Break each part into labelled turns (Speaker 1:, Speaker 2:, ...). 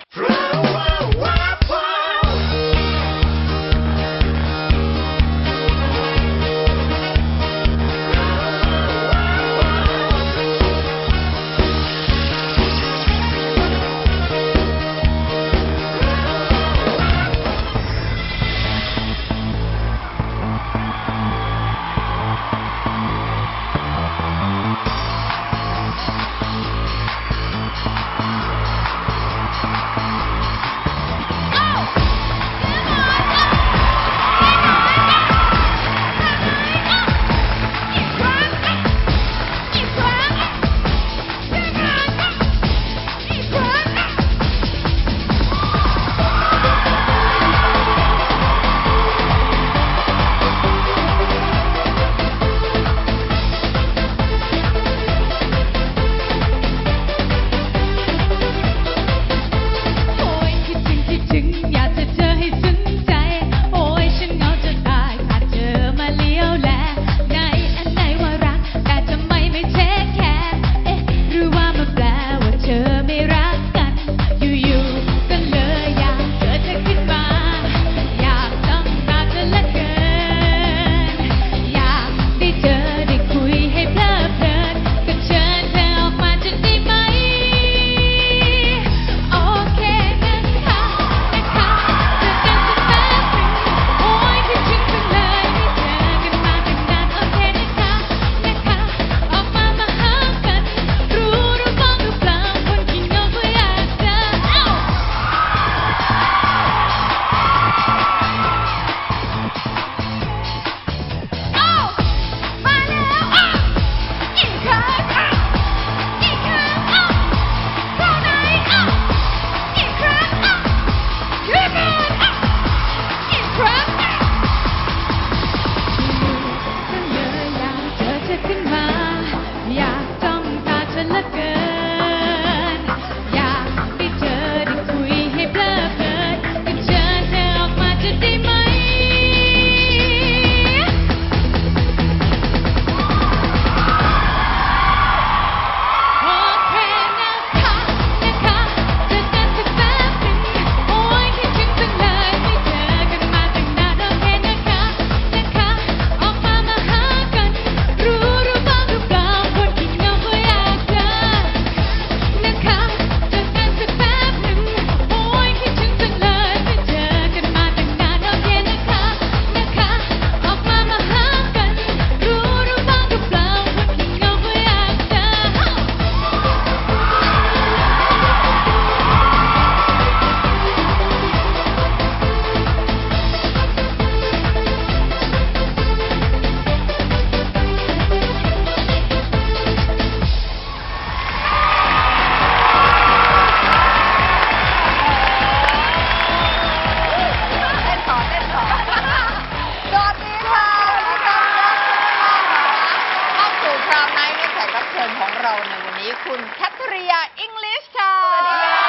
Speaker 1: คุณแคทเรียอิงลิชค่ะสวัสดีค่ะ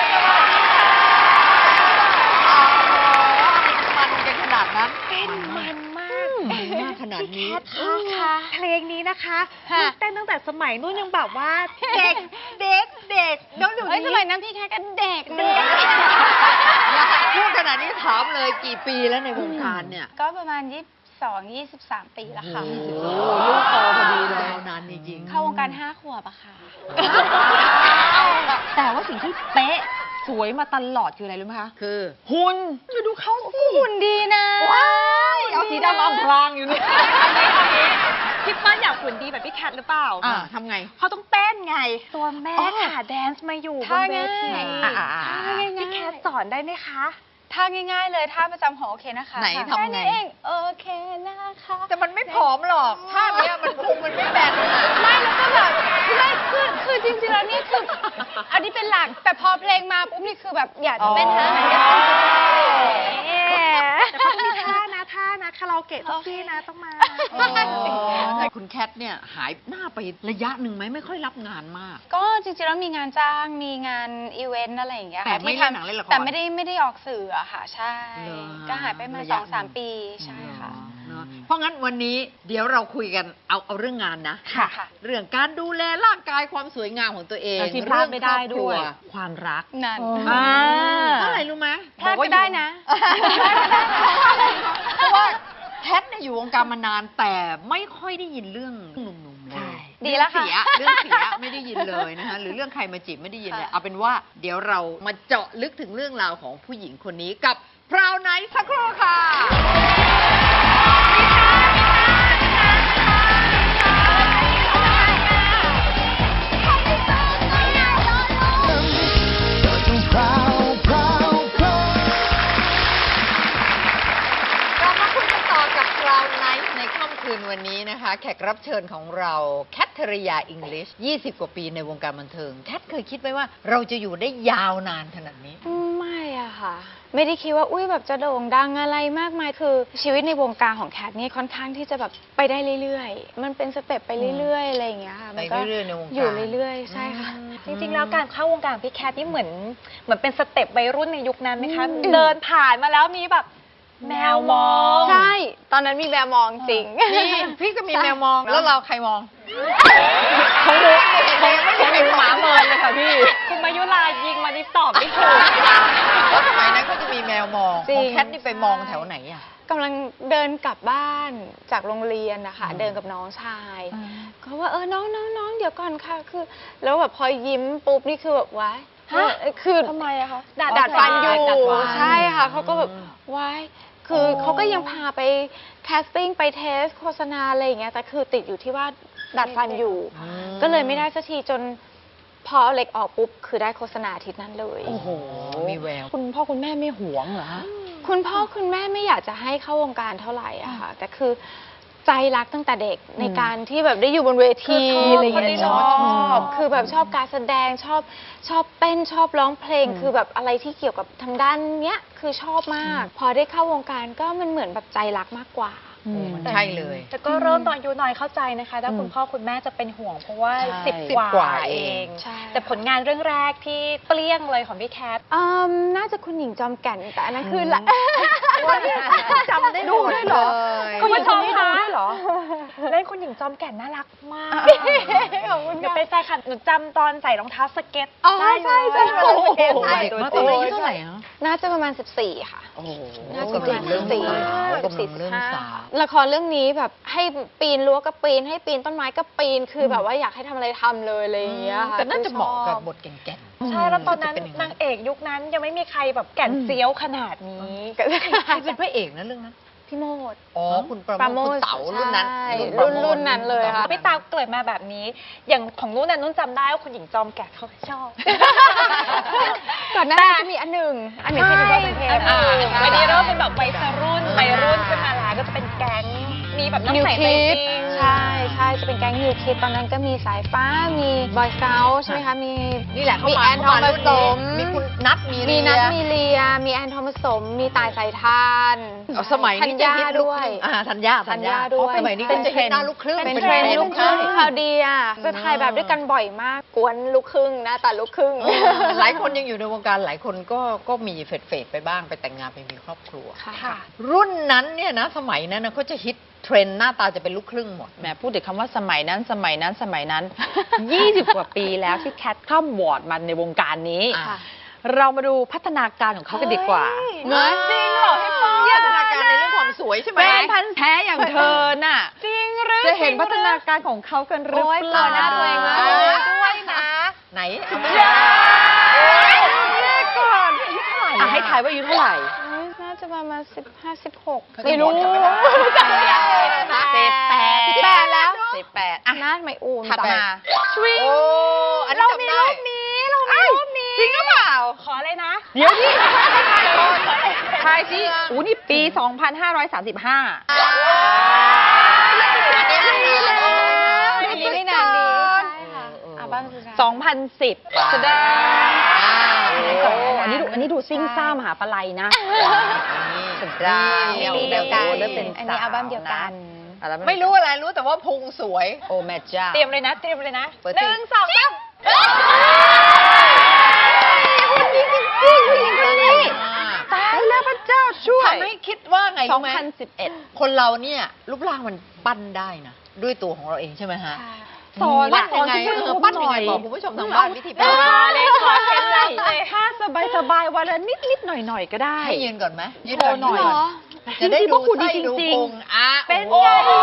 Speaker 1: มันกันขนาดนั้น
Speaker 2: เต้นมันมาก
Speaker 1: ขนาดนี้
Speaker 2: ค่ะเพลงนี้นะคะเต้นตั้งแต่สมัยนู้นยังแบบว่าเด็กแล้วเดี๋ยวนี้
Speaker 3: สมัยนั้นพี่แค่ก็เด็ก
Speaker 1: พูดขนาดนี้ถามเลยกี่ปีแล้วในวงการเนี่ย
Speaker 3: ก็ประมาณ23 ปีแล้วค่ะ
Speaker 1: ลูกโตพอดีเลยนานจริง
Speaker 3: เข้าวงการ5 ขวบอะค่ะ
Speaker 2: แต่ว่าสิ่งที่เป๊ะสวยมาตลอดคืออะไรรู้ไหมคะ
Speaker 1: คือ
Speaker 2: หุ่นจะดูเขา
Speaker 3: หุ่นดีนะ
Speaker 2: ว้ายเอาสีดำอำพรางอยู่นี่คิดว่าอยากหุ่นดีแบบพี่แคทหรือเปล่า
Speaker 1: ทำไง
Speaker 2: เขาต้องเต้นไงตัวแม่ค่ะแดนซ์มาอยู่บนเวทีพี่แคทสอนได้ไหมคะ
Speaker 3: ท่าง่ายๆเลยท่าประจำของโอเคนะคะ
Speaker 1: ไหนทำไง
Speaker 3: โอเคนะคะ
Speaker 1: แต่มันไม่ผอมหรอกท่านี้มันพุงมันไม่แบน
Speaker 3: ไม่แล้วก็แบบไม่คือจริงๆแล้วนี่คืออันนี้เป็นหลักแต่พอเพลงมาปุ๊บนี่คือแบบอยากจะเป็นท่าไหนก็
Speaker 2: แต่เขามีท่านะคาราโอเกะต้องซี่นะต้องมา
Speaker 1: คุณแคทเนี่ยหายหน้าไประยะหนึ่งไหมไม่ค่อยรับงานมาก
Speaker 3: ก็จริงๆแล้วมีงานจ้างมีงานอีเวนต์อะไรอย่างเงี้ย
Speaker 1: แต่ไม่เล่นหนังเล่นละคร
Speaker 3: แต่ไม่ได้ออกสื่ออะค่ะใช่ก็หายไปมา2-3 ปีใช่ค่ะ
Speaker 1: เพราะงั้นวันนี้เดี๋ยวเราคุยกันเอาเรื่องงานนะ
Speaker 2: ค่ะ
Speaker 1: เรื่องการดูแลร่างกายความสวยงามของตัวเอง
Speaker 2: ที่พลาดไม่ได้ด้วย
Speaker 1: เรื่องครอบครัความรัก
Speaker 3: นั่น
Speaker 1: เท่าไหร่รู้ไหม
Speaker 3: พลาดก็ได้นะ
Speaker 1: เพราะว่าแพทเนี่ยอยู่วงการมานานแต่ไม่ค่อยได้ยินเรื่องหนุ่มๆเลย
Speaker 3: ดีแล้วค่ะ
Speaker 1: เรื่องเสียไม่ได้ยินเลยนะคะหรือเรื่องใครมาจีบไม่ได้ยินเลยเอาเป็นว่าเดี๋ยวเรามาเจาะลึกถึงเรื่องราวของผู้หญิงคนนี้กับพราวไนท์สักครู่ค่ะ เรามาคุยกันต่อกับพราวไนท์ในค่ำคืนวันนี้นะคะ แขกรับเชิญของเราแคทเธอรียาอิงลิช20 กว่าปีในวงการบันเทิงแคทเคยคิดไหมว่าเราจะอยู่ได้ยาวนานขนาดนี้
Speaker 3: ไม่อะค่ะ ไม่ได้คิดว่าอุ้ยแบบจะโด่งดังอะไรมากมายคือชีวิตในวงการของแคทนี่ค่อนข้างที่จะแบบไปได้เรื่อยๆ มันเป็นสเต็ปไปเรื่อยๆอะไรอย่างเงี้ยค่ะมันก็
Speaker 1: ไปเรื่อยๆในวงการ
Speaker 3: อยู่เรื่อยๆ ใช่ค่ะ
Speaker 2: จริงๆ แล้วการเข้าวงการของพี่แคทนี่เหมือนเป็นสเต็ปวัยรุ่นในยุคนั้นไหมคะ เดินผ่านมาแล้วมีแบบแมวมอง
Speaker 3: ใช่ ตอนนั้นมีแมวมองจริง
Speaker 1: นี่พี่ก็มีแมวมองแล้วเราใครมอง
Speaker 2: ของหนู
Speaker 1: ของหนูหมาเมินเลยค่ะพี่
Speaker 2: คุณมายุรายิงมาดิตอบไม่ถูก
Speaker 1: แล้วสมัยนั้นเขาจะมีแมวมอง
Speaker 3: จริ
Speaker 1: ของ งแคทนี่ไปมองแถวไหนอ่ะ
Speaker 3: กำลังเดินกลับบ้านจากโรงเรียนนะคะเดินกับน้องชายเขาว่าน้องเดี๋ยวก่อนค่ะคือ แล้วแบบพอยิ้มปุ๊บนี่คือแบบว้ายคือ
Speaker 2: ทำไมอะคะ
Speaker 3: ดัดฟันอยู่
Speaker 1: ดัดฟัน
Speaker 3: ใช่ค่ะเขาก็แบบว้ายคือเขาก็ยังพาไปแคสติ้งไปเทสโฆษณาอะไรอย่างเงี้ยแต่คือติดอยู่ที่ว่าดัดฟันอยู่ ก็เลยไม่ได้สักทีจนพอเอาเหล็กออกปุ๊บคือได้โฆษณาอาทิตย์นั้นเลย
Speaker 1: โอ้โหมีแวว
Speaker 2: คุณพ่อคุณแม่ไม่หวงเหรอคะ
Speaker 3: คุณพ่อคุณแม่ไม่อยากจะให้เข้าวงการเท่าไหร่อะค่ะแต่คือใจรักตั้งแต่เด็กในการที่แบบได้อยู่บนเวทีอะไรอย่างเงี้ยชอบคือแบบชอบการแสดงชอบเต้นชอบร้องเพลงคือแบบอะไรที่เกี่ยวกับทางด้านเนี้ยคือชอบมาก พอได้เข้าวงการก็มันเหมือนแบบใจรักมากกว่า
Speaker 1: ใช่เลย
Speaker 2: แต่ก็เริ่มตอนอายุน้อยเข้าใจนะคะถ้าคุณพ่อคุณแม่จะเป็นห่วงเพราะว่า
Speaker 1: ใช่
Speaker 2: 10 ก
Speaker 1: ก
Speaker 2: ว่า
Speaker 1: ว่า
Speaker 2: เอ
Speaker 1: เอง
Speaker 2: ง
Speaker 3: ใช่
Speaker 2: แต่ผลงานเรื่องแรกที่เปรี้ยงเลยของพี่แคท
Speaker 3: น่าจะคุณหญิงจอมแก่นแต่อันนั้นคือละ
Speaker 1: จำได้หมดเลย
Speaker 2: คุณผู้ชมคะ
Speaker 3: เหรอ
Speaker 2: เล่นคุณหญิงจอมแก่นน่ารักมาก
Speaker 3: ขอบคุณ
Speaker 2: เดี๋ยว
Speaker 3: ค่ะ
Speaker 2: ไปแฟนคลับหนูจำตอนใส่รองเท้าสเก็ต
Speaker 3: อ๋อ
Speaker 2: ได้
Speaker 3: ใช่
Speaker 2: เลย
Speaker 3: ใช่
Speaker 2: สเก็ต
Speaker 1: โอ้โห
Speaker 2: ใส่
Speaker 1: เด็ก
Speaker 2: ตัว
Speaker 1: มาก
Speaker 2: จริง
Speaker 1: อายุเท่าไหร่ฮะ
Speaker 3: น่าจะประมาณ14ค่ะ
Speaker 1: โอ้โห
Speaker 3: น่าจะ
Speaker 1: กำลังเริ่ม
Speaker 3: 14
Speaker 1: สาวกำลังเริ่มสาว
Speaker 3: ละครเรื่องนี้แบบให้ปีนรั้วก็ปีนให้ปีนต้นไม้ก็ปีนคือแบบว่าอยากให้ทำอะไรทำเลยอะไรอย่างเงี้ยค่ะ
Speaker 1: แต่น่าจะเหมาะกั
Speaker 3: คือชอบ
Speaker 1: บบทแก่นๆ
Speaker 2: ใช่แล้วตอนนั้น
Speaker 1: จะเป็ย่
Speaker 2: นางเอกยุคนั้นยังไม่มีใครแบบแก่นเซียวขนาดนี้
Speaker 1: ใครเป็นพระเอกนะเรื่องนั้น
Speaker 3: พี่โมด
Speaker 1: อ๋อคุณประ
Speaker 3: ปรา
Speaker 1: โม
Speaker 3: โม
Speaker 1: ท
Speaker 3: ท
Speaker 1: คุณเต๋ารุ่นนั้น
Speaker 3: ใช่
Speaker 1: ประโมท
Speaker 3: รุ่นนั้นเลยค่ะ
Speaker 2: พี่ตาเกิดมาแบบนี้ อย่างของนุ่นน่ะนุ่นจำได้ว่าคุณหญิงจอมแก่นเขาชอบ
Speaker 3: ก่อนหน้านั้นจะมีอันหนึ่งที่ดูว่าเป็นเพลง
Speaker 2: อันนี้เริ่มเป็นแบบวัยรุ่นขึ้นมาแล้วก็จะเป็นแก๊งมีแบบน้อง
Speaker 3: นิว
Speaker 2: ใส่
Speaker 3: คิ
Speaker 2: ใจ
Speaker 3: ด
Speaker 2: จริง
Speaker 3: ใช่จะเป็นแก๊งนิวคิดตอนนั้นก็มีสายฟ้ามีบอยสเกลใช่ไหมคะมี
Speaker 1: นี่แหละเขา
Speaker 3: มี
Speaker 1: มา
Speaker 3: แอนทอมผสม
Speaker 1: มีคุณนัทมี
Speaker 3: มี
Speaker 1: เรีย
Speaker 3: นัทมีเลีย มีแอนทอมผสม มีตายสายทาน
Speaker 1: เอาสมัย
Speaker 3: ธัญ
Speaker 1: นี้จะ
Speaker 3: ญา
Speaker 1: ฮิตลูก
Speaker 3: ด้วย
Speaker 1: ครึ่งธัญญา
Speaker 3: ธัญญาด้วย
Speaker 1: สมัยนี้ก็จะฮิตหน้าลูกครึ่ง
Speaker 3: เป็นเทรนด์ลูกครึ่งคราวเดียจะถ่ายแบบด้วยกันบ่อยมาก กวนลูกครึ่งหน้าตาลูกครึ่ง
Speaker 1: หลายคนยังอยู่ในวงการหลายคนก็มีเฟดไปบ้างไปแต่งงานไปมีครอบครัว
Speaker 3: ค่ะ
Speaker 1: รุ่นนั้นเนี่ยนะสมัยนั้นนะเขาจะฮิตเทรนด์หน้าตาจะเป็นลูกครึ่งหมด
Speaker 4: แหมพูดถึงคำว่าสมัยนั้น 20 กว่าปีแล้วที่แคทข้ามวอร์ดมาในวงการนี้
Speaker 1: อ่ะ
Speaker 4: เรามาดูพัฒนาการของเขากันดีกว่า
Speaker 3: เฮ้ย
Speaker 4: จริงเหรอพี่ปอ
Speaker 1: พัฒนาการในเรื่องความสวยใช่ไหม
Speaker 4: แฟนพันธุ์แท้อย่างเธอน่ะ
Speaker 2: จริงหรือ
Speaker 4: จะเห็นพัฒนาการของเขากันหรือ
Speaker 3: โอ๊ย
Speaker 4: เปล่า
Speaker 3: ต่อหน้าตัวเองมาก
Speaker 2: ด้วยนะ
Speaker 1: ไหนเอามา
Speaker 4: ก่อนอ่ะให้ทายว่าอายุเท่าไหร่
Speaker 3: น่าจะประมาณ15 16
Speaker 1: ไม่รู้
Speaker 3: 18แล้ว
Speaker 4: 18อ่ะ
Speaker 3: น่าไม่อูม
Speaker 4: ถัดมา
Speaker 1: โอ้อันนี้จำได้
Speaker 4: จริงหรือเปล่า
Speaker 2: ขอเลยนะ
Speaker 4: เดี๋ยวดิทายสิอู้นี่ปี 2535
Speaker 3: อันนี้ไม่นานดีอัลบั้มสุดท้าย
Speaker 4: 2010 แสดง
Speaker 1: โอ้
Speaker 4: อันนี้ดูซิ่งซ่ามหาปลัยนะ
Speaker 1: สุดได้
Speaker 3: ปีเดียวกัน
Speaker 4: เริ่มเป็น
Speaker 3: อันนี้อัลบั้มเดียวกัน
Speaker 4: อัลบั้
Speaker 1: ไม่รู้อะไรรู้แต่ว่าพุงสวย
Speaker 4: โอ้แม่เจ้า
Speaker 2: เตรียมเลยนะ
Speaker 1: เปิด
Speaker 2: หนึ่งสองสาม
Speaker 4: ตายแล้วพระเจ้าช่วย
Speaker 1: ทำให้คิดว่าไงรู้ไหม
Speaker 4: 2011
Speaker 1: คนเราเนี่ยรูปร่างมันปั้นได้นะด้วยตัวของเราเองใช่ไหมฮะ
Speaker 4: สอน
Speaker 1: ปั้นยังไง
Speaker 4: สอน
Speaker 1: ปั้นยังไงบอกคุณผู้ชมทางบ้านวิธีปั้น
Speaker 4: เลยขอเคล็ดลับเลยถ้าสบายๆวันละนิดๆหน่อยๆก็ได้
Speaker 1: ให้ยืนก่อนไหมยืน
Speaker 4: โชว์หน่อย
Speaker 1: ก่ จะได้
Speaker 4: จริงๆ
Speaker 1: ดู
Speaker 4: พวกคุณดี
Speaker 1: ไส้ดู
Speaker 4: จริงๆ
Speaker 1: พุงอ่ะ
Speaker 4: เป็น
Speaker 1: โอ้
Speaker 4: ไง
Speaker 1: โห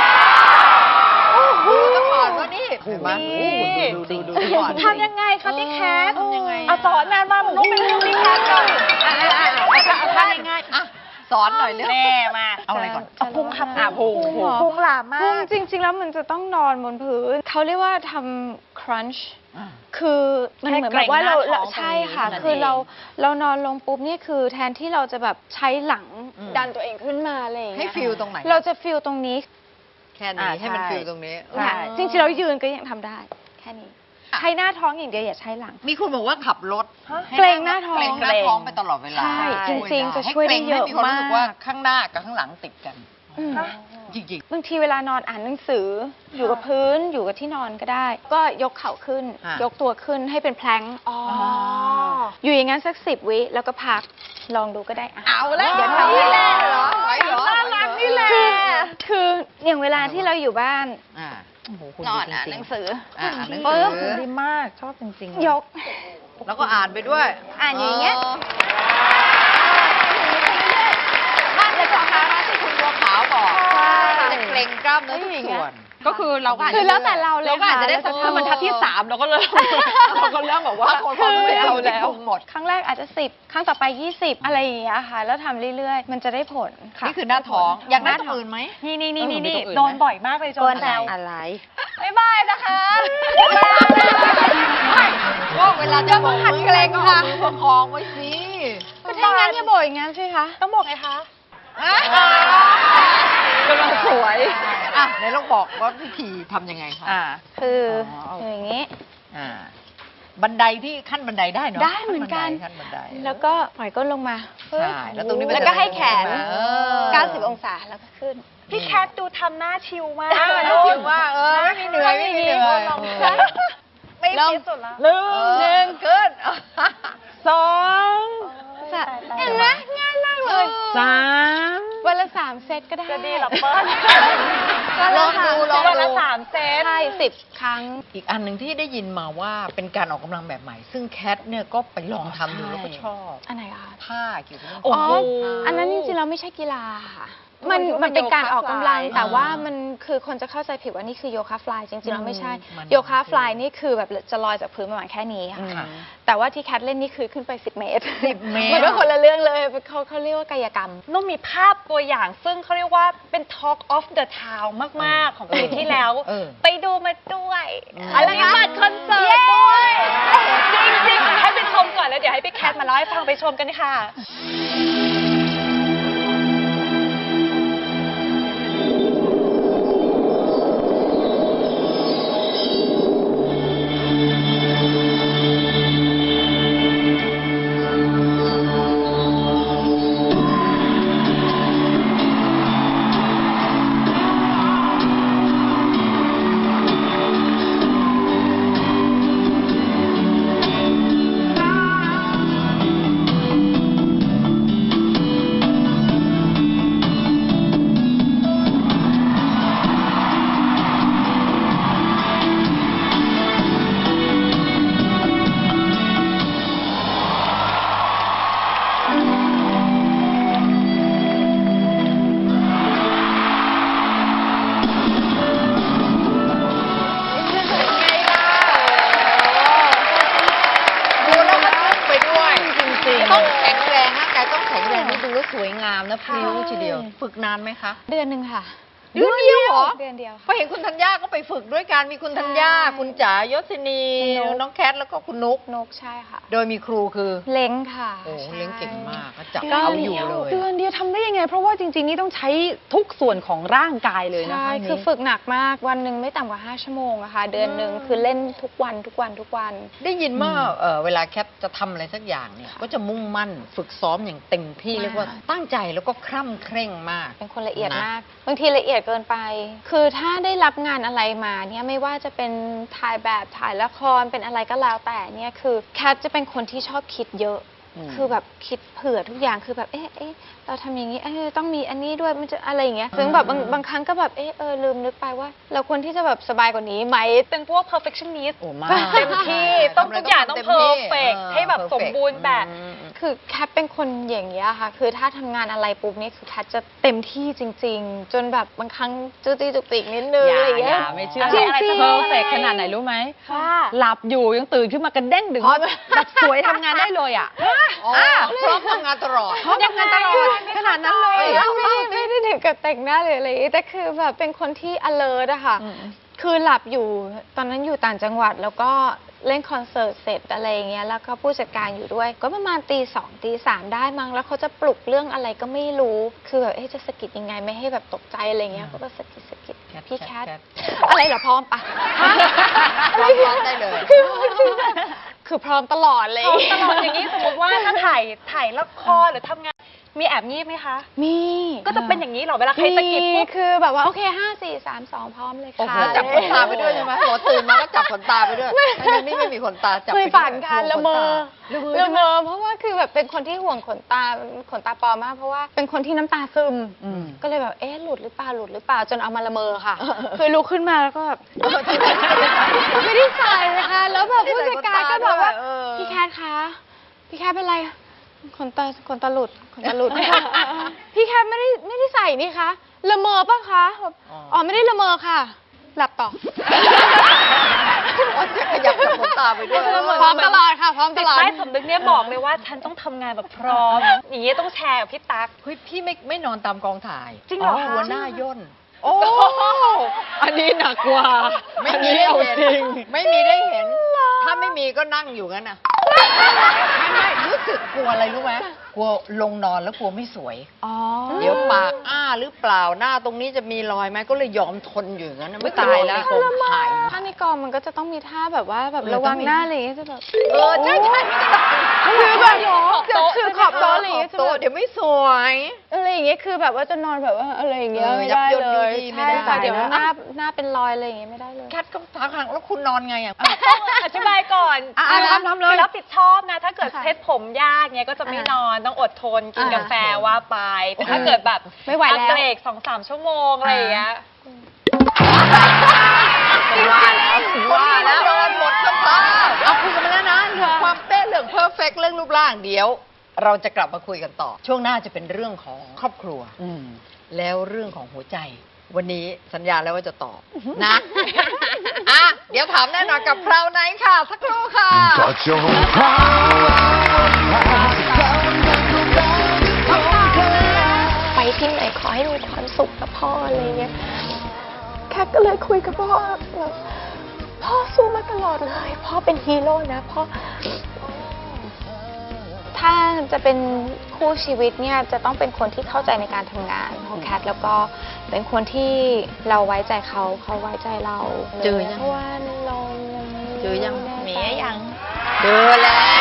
Speaker 1: ดูซะก่อนว่านี่เห็นไหม
Speaker 4: นี่
Speaker 1: โอ้โหดูก่อน
Speaker 2: ทำยังไงคะพี่แคท
Speaker 1: ทำยังไง
Speaker 2: เอาสอนมามันต้องเป็นเรื่องพี่แคทก่อน
Speaker 1: ทำยังไงอ่ะสอนหน่อยเร็ว
Speaker 4: แม่มา
Speaker 1: เอาอะไรก่อน
Speaker 2: เอาพุงค่ะ
Speaker 4: พุง
Speaker 3: เหรอ
Speaker 2: พุงหลามมา
Speaker 3: พุง
Speaker 2: ก
Speaker 3: จริง ๆ แล้วมันจะต้องนอนบนพื้นเขาเรียกว่าทำ crunch
Speaker 1: อ่ะ
Speaker 3: คือมันเหมือนแบบว่าเรา
Speaker 4: แค่เกร็งหน้าท้อง
Speaker 3: ใช่ค่ะ
Speaker 1: ตรงนี้
Speaker 3: คือ
Speaker 1: นั่นเอง
Speaker 3: เรานอนลงปุ๊บเนี่ยคือแทนที่เราจะแบบใช้หลัง
Speaker 1: อืม
Speaker 3: ดันตัวเองขึ้นมาอะไรอย่าง
Speaker 1: ให้
Speaker 3: เงี้ย
Speaker 1: ฟิลตรงไหน
Speaker 3: เราจะฟิลตรงนี้
Speaker 1: แค่นี้ให้มันฟิลตรงนี้
Speaker 3: ค่ะ จริงๆเรายืนก็ยังทำได้ แค่นี้
Speaker 1: อ่ะ
Speaker 3: ใช้หน้าท้องอย่างเดียวอย่าใช้หลัง
Speaker 1: มีคนบอกว่าขับรถให้
Speaker 3: เกร็งหน้าท้อง
Speaker 1: เกร็งหน้าท้องไปตลอดเวลา
Speaker 3: ใช่จริงๆจะ
Speaker 1: ให้
Speaker 3: ช่วยได้
Speaker 1: กร็ง
Speaker 3: เยอะ
Speaker 1: ให้มีความรู้สึกว่า
Speaker 3: มาก
Speaker 1: ข้างหน้ากับข้างหลังติดกัน
Speaker 3: อืม
Speaker 1: จริง
Speaker 3: บางทีเวลานอนอ่านหนังสืออยู่กับพื้นอยู่กับที่นอนก็ได้ ก็ยกเข่าขึ้น
Speaker 1: อ่ะ
Speaker 3: ยกตัวขึ้นให้เป็นแพลงก์
Speaker 2: อ๋อ
Speaker 3: อยู่อย่างนั้นสัก10 วิแล้วก็พักลองดูก็ได้ะ
Speaker 1: เอาแล้ว
Speaker 3: เดี๋ยวทำ
Speaker 1: นี่
Speaker 3: ให้
Speaker 1: แหละเหรอไหวเหรอ
Speaker 2: น่ารักนี่แหละ
Speaker 3: คืออย่างเวลาที่เราอยู่บ้าน
Speaker 1: อ่า
Speaker 3: นอนอ่านหนังสือ
Speaker 1: อ่านหนัง
Speaker 3: ปึ๊บ
Speaker 1: สือ
Speaker 2: ดีมาก ชอบจริง
Speaker 3: ยก
Speaker 1: แล้วก็อ่านไปด้วย
Speaker 3: อ่านอย่างเงี้ย
Speaker 1: นั่นแหละสำคัญที่คุณบัวขาวบอก
Speaker 3: ใช่
Speaker 1: จะเกร็งกล้ามเนื้อทุกส่วน
Speaker 4: ก็คือเราก็อาจ
Speaker 3: คือ
Speaker 4: จะ
Speaker 3: แล้วแต่เราเลย
Speaker 4: เราก็อาจจะได้
Speaker 3: ค่ะ
Speaker 4: ถ้ามันทัดที่ 3เราก็เริ่มเราก็เริ่มแบบว่า
Speaker 1: บางคนเขาไม่เอาแล้วหมด
Speaker 3: ครั้งแรกอาจจะ10ครั้งต่อไป20อะไรอย่างเงี้ยค่ะ แล้วทำเรื่อยๆ มันจะได้ผลค่ะ
Speaker 1: นี่คือหน้าท้อง อยากได้ตรงอื่นไหม
Speaker 2: นี่นี่
Speaker 4: เอ
Speaker 2: นี่
Speaker 4: อ
Speaker 2: นี่
Speaker 4: มีตรงอื่นไหม
Speaker 2: โดนบ่อยมากเลยโจนแซว
Speaker 3: อะไร
Speaker 2: บ๊ายบายนะคะ
Speaker 1: ว่าเวลาจะบอกมือเกรงก็เอามือประคองไว้สิ
Speaker 3: ก็ถ้างั้นอย่าบ่อยอย่างงั้นสิคะ
Speaker 2: ต้องบอกไงคะ
Speaker 4: กำลังสวย
Speaker 1: อ่ะไหนลองบอกว่าวิธีทำยังไงคะ
Speaker 3: คืออ
Speaker 1: อ
Speaker 3: อย่างงี้
Speaker 1: อ่าบันไดที่ขั้นบันไดได้เนาะ
Speaker 3: ได้เหมือนกัน
Speaker 1: ขั้นบันได
Speaker 3: แล้วก็ปล่อยก้นลงมา
Speaker 1: ใช่แล้วตรงนี้มัน
Speaker 3: แล้ว
Speaker 1: จะ
Speaker 3: ก็ให้แขน
Speaker 1: เออ
Speaker 3: 90 องศาแล้วก็ขึ้น
Speaker 2: พี่แคทดูทำหน้าชิลมาก
Speaker 1: แล้วถือว่าไม่มีเหนื่อยไม่มีเหนื่อย
Speaker 2: ไม่
Speaker 3: ลอง
Speaker 2: คิดสุดแล้ว
Speaker 1: หนึ่งขึ้น
Speaker 4: 2
Speaker 3: เห็นไหมง่ายมากเลย
Speaker 4: 3
Speaker 3: วันละ3 เซตก็ได้
Speaker 2: จะดีเหรอเปิ้ล
Speaker 1: ลองดูลอง
Speaker 2: วันละ
Speaker 1: ดู
Speaker 2: 3 เซต
Speaker 3: ใช่10 ครั้ง
Speaker 1: อีกอันหนึ่งที่ได้ยินมาว่าเป็นการออกกำลังแบบใหม่ ซึ่งแคทเนี่ยก็ไปลองทำดูแล้วก็ชอบ
Speaker 3: อันไหนคะ
Speaker 1: ท่าเกี่ยวกับเรื่อง
Speaker 4: โอ้
Speaker 3: อ๋อ
Speaker 4: โห
Speaker 3: อันนั้นจริงๆเราไม่ใช่กีฬาค่ะ
Speaker 4: มั
Speaker 3: มัน นเป็นการออกกำลัง
Speaker 4: โยคะฟลาย
Speaker 3: แต่ว่ามันคือคนจะเข้าใจผิดว่านี่คือโยคะฟลายจริงๆแล้วไม่ใช่
Speaker 1: มัน
Speaker 3: โยคะฟลายนี่คือแบบจะลอยจากพื้นประมาณแค่นี้ค่ะ
Speaker 1: ค่ะ
Speaker 3: แต่ว่าที่แคทเล่นนี่คือขึ้นไป10 เมตร
Speaker 1: 10 เมตร
Speaker 3: มันเป็นคนละเรื่องเลยเขาเรียกว่ากายกรรม
Speaker 2: นุ่มมีภาพตัวอย่างซึ่งเขาเรียกว่าเป็น Talk of the Town มาก ๆ ของปีที่แล้ว
Speaker 1: เออ
Speaker 2: ไปดูมาด้วย
Speaker 1: อืม
Speaker 2: อะไรนะบัตรคอนเสิร์ตด้วย จริงๆให้ไปชมก่อนแล้วเดี๋ยวให้พี่แคทมาเล่าให้ฟังไปชมกันค่ะ
Speaker 1: ดูแล้วมันลึกไปด้วย จริงๆต้องแข็งแรงร่างกายต้องแข็งแรงนี่ดูแล้วสวยงามนะพริ้วทีเดียว ฝึกนานไหมคะ
Speaker 3: เดือนหนึ่งค่ะ
Speaker 1: เดือนเดียวเหรอ
Speaker 3: เดือนเดียว
Speaker 1: พอเห็นคุณธัญญาก็ไปฝึกด้วยกันมีคุณธัญญา
Speaker 3: ใช่
Speaker 1: คุณจ๋ายศินี
Speaker 3: คุณนุ๊ก
Speaker 1: น้องแคทแล้วก็คุณนุก
Speaker 3: นกใช่ค่ะ
Speaker 1: โดยมีครูคือ
Speaker 3: เล้งค่ะ
Speaker 1: โอ้
Speaker 3: ใช่
Speaker 1: เลี้ยงเก่งมากก็จับเอาอยู่เลย
Speaker 4: เดือนเดียวทำได้ยังไง เพราะว่าจริง ๆ นี่ต้องใช้ทุกส่วนของร่างกายเลยนะ
Speaker 3: ใช่
Speaker 4: คะ
Speaker 3: คือฝึกหนักมากวันหนึ่งไม่ต่ำกว่า5 ชั่วโมงอะค่ะ เดือนหนึ่งคือเล่นทุกวันทุกวันทุกวัน
Speaker 1: ได้ยินว่าเวลาแคทจะทำอะไรสักอย่างเนี่ยก็จะมุ่งมั่นฝึกซ้อมอย่างเต็มที่
Speaker 3: มาก
Speaker 1: เรียกว่าตั้งใจแล้วก็คร่ำเคร่งมาก
Speaker 3: เป็นคนละเอียด
Speaker 1: นะ
Speaker 3: มาก บางทีละเอียดเกินไป คือถ้าได้รับงานอะไรมาเนี่ยไม่ว่าจะเป็นถ่ายแบบถ่ายละครเป็นอะไรก็แล้วแต่เนี่ยคือแคทจะเป็นคนที่ชอบคิดเยอะคือแบบคิดเผื่อทุกอย่างคือแบบเอ๊ะเราทำอย่างนี้ต้องมีอันนี้ด้วยมันจะอะไรอย่างเงี้ยซึ่งแบบบางครั้งก็แบบลืมนึกไปว่า เราควรที่จะแบบสบายกว่านี้ไหม
Speaker 2: เป็นพวก perfectionist
Speaker 1: โอ้มาก
Speaker 2: เต็มที่ต้องทุกอย่างต้อง perfect ให้แบบสมบูรณ์แบบ
Speaker 3: คือแคทเป็นคนอย่างเงี้ยค่ะ คือถ้าทำงานอะไรปุ๊บนี่คือแคทจะเต็มที่จริง ๆ จนแบบบางครั้งจุกจิกจุกจิกนิดนึงอะไรอย่างเงี้ย
Speaker 4: ไม่เชื่อ
Speaker 2: จริงๆ
Speaker 4: อะไรจะเพอร์เฟกขนาดไหนรู้ไหม
Speaker 2: ค่ะ
Speaker 4: หลับอยู่ยังตื่นขึ้นมากระเด้งดึงแบบสวยทำงานได้เลยอ่ะ
Speaker 1: พร้อมทำงานตลอด
Speaker 4: พร้อมทำงานตลอดขนาดนั้นเลย
Speaker 3: ไม่ได้ถึงกับแต่งหน้าหรืออะไรอย่างงี้แต่คือแบบเป็นคนที่ alert อะค่ะ คือหลับอยู่ตอนนั้นอยู่ต่างจังหวัดแล้วก็เล่นคอนเสิร์ตเสร็จอะไรอย่างเงี้ยแล้วก็ผู้จัดการอยู่ด้วย ก็ประมาณตี 2 ตี 3ได้มั้งแล้วเขาจะปลุกเรื่องอะไรก็ไม่รู้ คือแบบจะสะกิดยังไงไม่ให้แบบตกใจอะไรเงี้ยก็แบบสะกิดพี่แคทอะไรเหรอพร้อมปะ
Speaker 1: พร้อมได้เลย
Speaker 3: คือพร้อมตลอดเลย
Speaker 2: ตลอดอย่างนี้สมมติว่าถ้าถ่ายละครหรือทำงานมีแอบงีบไหมคะ
Speaker 3: มี
Speaker 2: ก็จะเป็นอย่างนี้เหรอเวลาใครสะกิดปุ๊บ
Speaker 3: คือแบบว่าโอเค5 4 3 2พร้อมเลย
Speaker 1: โอ้
Speaker 3: ค่ะ
Speaker 1: โหจับขนตาไปด้วยใช่ไหมหัวตื่นมาก็จับขนตาไปด้วยอันนี้ไม่มีขนตาจับ
Speaker 3: เค
Speaker 1: ไป
Speaker 3: ย
Speaker 1: ด้วย
Speaker 3: ฝันกันละเมอ
Speaker 1: ละเมอ
Speaker 3: เพราะว่าคือแบบเป็นคนที่ห่วงขนตาปลอมมากเพราะว่าเป็นคนที่น้ำตาซึม ก็เลยแบบหลุดหรือเปล่าจนเอามาละเมอค่ะ คือลุกขึ้นมาแล้วก็แบบไม่ได้ใส่นะคะแล้วแบบผู้จัดการก็บอกว่าพี่แคทคะพี่แคทเป็นไรขนตาหลุด พี่แคทไม่ได้ใส่นี่คะละเมอปะคะอ๋อไม่ได้ละเมอค่ะ หลับต่อ
Speaker 1: จะขยับจับขนตาไปด้วย
Speaker 3: พร้อมตลอดค่ะพร้อมต
Speaker 2: จิต
Speaker 3: ลอด
Speaker 2: ใต้สำนึกเนี่ยบอกเลยว่าฉันต้องทำงานแบบพร้อม อย่างนี้ต้องแชร์กับพี่ตั๊ก
Speaker 1: เฮ้ยพี่ไม่นอนตามกองถ่าย
Speaker 2: จริงเหรอคะ
Speaker 1: หัวหน้าย่น
Speaker 4: โอ้อันนี้หนักกว่า
Speaker 1: ไม่
Speaker 4: อัน
Speaker 1: มี
Speaker 4: นี้
Speaker 1: ได้
Speaker 4: เอา
Speaker 1: เห็น
Speaker 4: จริง
Speaker 1: ไม่มีได้เห็น ถ้าไม่มีก็นั่งอยู่งั้นน่ะไม่รู้สึกกลัวอะไรรู้ไหมกลัวลงนอนแล้วกลัวไม่สวย
Speaker 3: อ๋อ
Speaker 1: เดี๋ยวปากอ้าหรือเปล่าหน้าตรงนี้จะมีรอยไหมก็เลยยอมทนอยู่อย่างนั้นน่ะไม่ตายแล้วกองถ่าย
Speaker 3: ถ้าในกองมันก็จะต้องมีท่าแบบว่าแบบ
Speaker 1: เออ
Speaker 3: ระวั
Speaker 1: ต้อง งมี
Speaker 3: หน้าอะไรอย่างเงี้ยจะแบบ
Speaker 1: ใช่
Speaker 3: คือแบบคือขอบโต๊ะอะไรอย่าง
Speaker 1: ขอ
Speaker 3: เงี้
Speaker 1: บ
Speaker 3: ยจะ
Speaker 1: โต๊ะ
Speaker 3: แบบ
Speaker 1: เดี๋ยวไม่สวย
Speaker 3: อะไรอย่างเงี้ยคือแบบว่าจะนอนแบบว่าอะไรอย่างเงี้ย
Speaker 1: เออ
Speaker 3: ไม่ได้
Speaker 1: ยับยน
Speaker 3: เลย
Speaker 1: ยุ่ยยี่ไม่
Speaker 3: ใช่
Speaker 1: ได้
Speaker 3: ค่ะเดี๋ยว
Speaker 1: นะ
Speaker 3: หน้าเป็นรอยอะไรอย่างเงี้ยไม่ได้เลย
Speaker 1: แคทก็ทักหางแล้วคุณนอนไงอ่ะ
Speaker 2: อธิบายก่อน
Speaker 4: ทำเลย
Speaker 2: คือรับผิดชอบนะ ถ้าเกิด
Speaker 3: ค่ะ
Speaker 2: เซ็ตผมยากเนี้ยก็จะไม่นอนต้องอดทนกินกาแฟว่าไปแต่ถ้าเกิดแบบ
Speaker 3: ไม่ไหวแล้ว
Speaker 2: เบรก2-3 ชั่วโมงอะไรอย่างเงี้ย
Speaker 1: ว่าแล้วโดนหมดสภาพเอาคุยกันมาแล้วนะเรื่องความเป๊ะเรื่องเพอร์เฟกเรื่องรูปร่างเดี๋ยว เราจะกลับมาคุยกันต่อ ช่วงหน้าจะเป็นเรื่องของครอบครัว แล้วเรื่องของหัวใจ วันนี้สัญญาแล้วว่าจะตอบนะอ่ะเดี๋ยวถามแน่นอนกับคราวไหนค่ะ สักครู่ค่ะ
Speaker 5: ก็จงพราว
Speaker 3: ไปที่ไหนขอให้มีความสุขกับพ่ออะไรเงี้ยแคทก็เลยคุยกับพ่อแบบพ่อสู้มาตลอดเลยพ่อเป็นฮีโร่นะพ่อถ้าจะเป็นคู่ชีวิตเนี่ยจะต้องเป็นคนที่เข้าใจในการทำงานของแคทแล้วก็เป็นคนที่เราไว้ใจเขาไว้ใจเรา
Speaker 1: เจอยัง
Speaker 3: เพราะว่าเรา
Speaker 1: เจอยัง
Speaker 3: ไแน่ใจ
Speaker 1: เมียยังเจอแล้ว